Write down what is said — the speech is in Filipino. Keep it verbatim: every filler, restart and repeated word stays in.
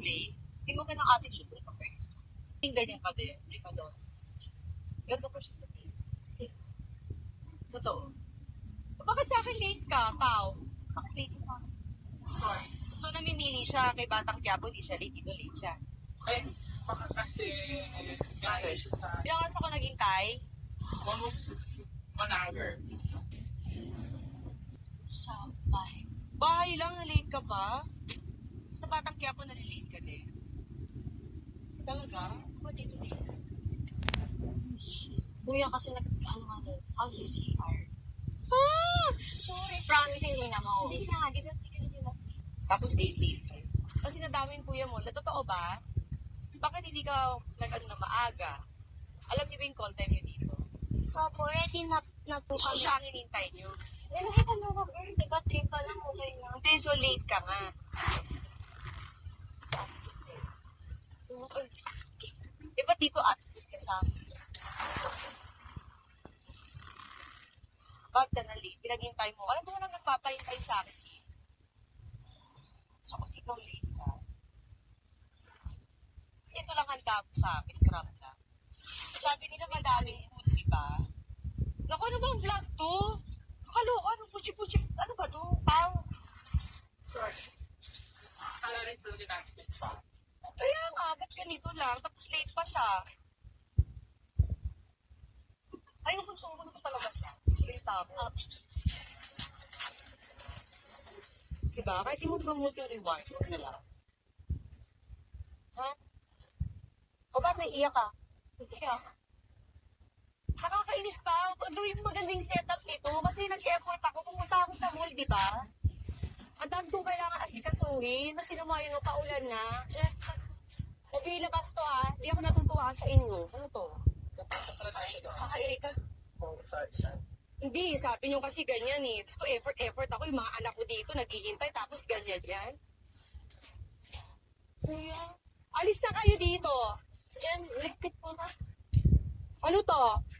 late. Hindi mo ganang attitude kung pag-earnest ka. Yung ganyan ka din. Hindi ka doon. Ganto ko siya sabihin. Totoo. Bakit sa akin late ka, Pao? Bakit late siya sa akin? Sorry. So, namimili siya kay Batang Quiapo, di siya late, dito late siya. Eh, baka kasi gaya siya sa Ilang oras ako naghintay? almost one hour. Sa bahay. Bahay lang, na-late ka pa? Sa Batang Quiapo, na-late ka din. Talaga? Ba't dito late ka? Kuya, kasi nag, ano nga lang, ako sa C R. Ah! Sorry, promise, hindi na mo. Hindi na, hindi na, hindi na. Tapos late, late ka. Kasi nadaming kuya mo. Na totoo ba? Bakit hindi ka nag-ano na maaga? Alam niyo ba yung call time niyo dito? Opo, ready na, na po So, kami. siya ang hinintay niyo. Eh, nakita mo ba, girl? Di ba, trip pa lang, okay na. Hindi, so late ka nga. Okay. Eh, ba't dito attitude ka sa akin? Bakit ka na late? Pinaghintay mo. Alam mo na nagpapahintay sa akin. So, kasi ikaw late ka. Kasi ito lang handa mo sa akin, crab lang. Sabi nila madaming food, di ba? Naku, ano bang vlog to? Kakaloka, ano, puchi-puchi, ano ba to? Pang. Sorry. Sala rin talaga natin pa. Kaya nga, ba't ganito lang? Tapos late pa siya. Ayun, gusto mo na talaga siya. Late ako. Uh, diba? Kahit di mo ba mo yung reward, huwag na lang. Ha? O ba't naiiyak ka? Iyak. Nakakainis pa. Gawin mo magandang setup nito kasi nag-effort ako. Pumunta ako sa mall, di ba? Ang dami kong kailangan asikasuhin. Kasi lumayo na paulan na. Eh, huwag yung ilabas to ha. Hindi ako natutuwa sa inyo. Ano to? Napasa pala tayo doon. Kakairita. Oh, sorry, sorry. Hindi, sabi nyo kasi ganyan eh. Tapos ko effort, effort ako. Yung mga anak ko dito, naghihintay. Tapos ganyan yan. Kuya, Alis na kayo dito. Jen, ligpit po na. Ano to?